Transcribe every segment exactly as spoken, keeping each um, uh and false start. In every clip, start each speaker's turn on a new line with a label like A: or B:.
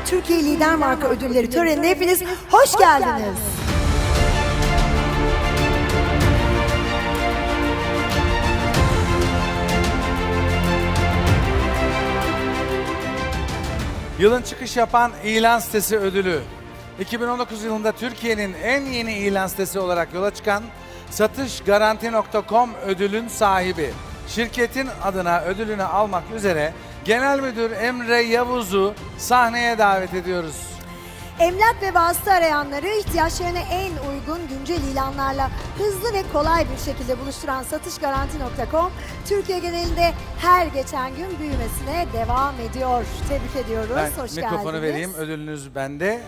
A: Türkiye Lider Marka Ödülleri törenine hepiniz hoş geldiniz.
B: Yılın çıkış yapan ilan sitesi ödülü. iki bin on dokuz yılında Türkiye'nin en yeni ilan sitesi olarak yola çıkan satışgaranti nokta com ödülün sahibi. Şirketin adına ödülünü almak üzere Genel Müdür Emre Yavuz'u sahneye davet ediyoruz.
A: Emlak ve vasıta arayanları ihtiyaçlarına en uygun güncel ilanlarla hızlı ve kolay bir şekilde buluşturan satışgaranti nokta com, Türkiye genelinde her geçen gün büyümesine devam ediyor. Tebrik ediyoruz.
B: Ben
A: Hoş
B: mikrofonu
A: geldiniz.
B: vereyim, ödülünüz bende.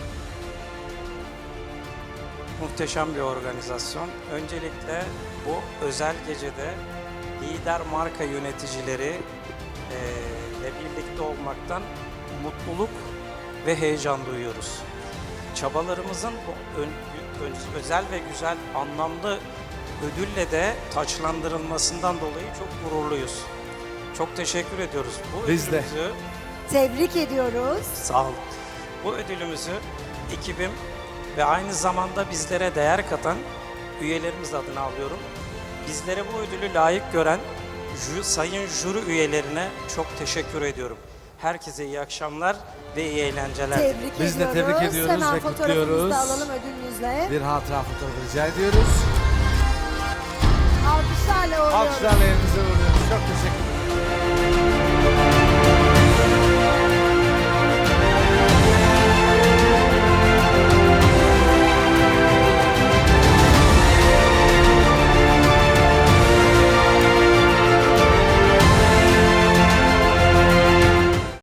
C: Muhteşem bir organizasyon. Öncelikle bu özel gecede lider marka yöneticileri eee, ile birlikte olmaktan mutluluk ve heyecan duyuyoruz. Çabalarımızın bu ön- ö- özel ve güzel anlamlı ödülle de taçlandırılmasından dolayı çok gururluyuz. Çok teşekkür ediyoruz. Bu
B: Biz de.
C: ödülümüzü
A: Tebrik ediyoruz.
C: Sağ olun. Bu ödülümüzü ekibim ve aynı zamanda bizlere değer katan üyelerimiz adına alıyorum. Bizlere bu ödülü layık gören jü, sayın jüri üyelerine çok teşekkür ediyorum. Herkese iyi akşamlar ve iyi eğlenceler.
A: Tebrik
B: Biz de
A: ediyoruz.
B: tebrik ediyoruz
A: Hemen
B: ve
A: fotoğrafımızı
B: kutluyoruz.
A: da alalım ödülünüzle.
B: Bir hatıra fotoğrafı rica ediyoruz.
A: Alkışlarla uğurluyoruz.
B: Alkışlarla elinize vuruyoruz.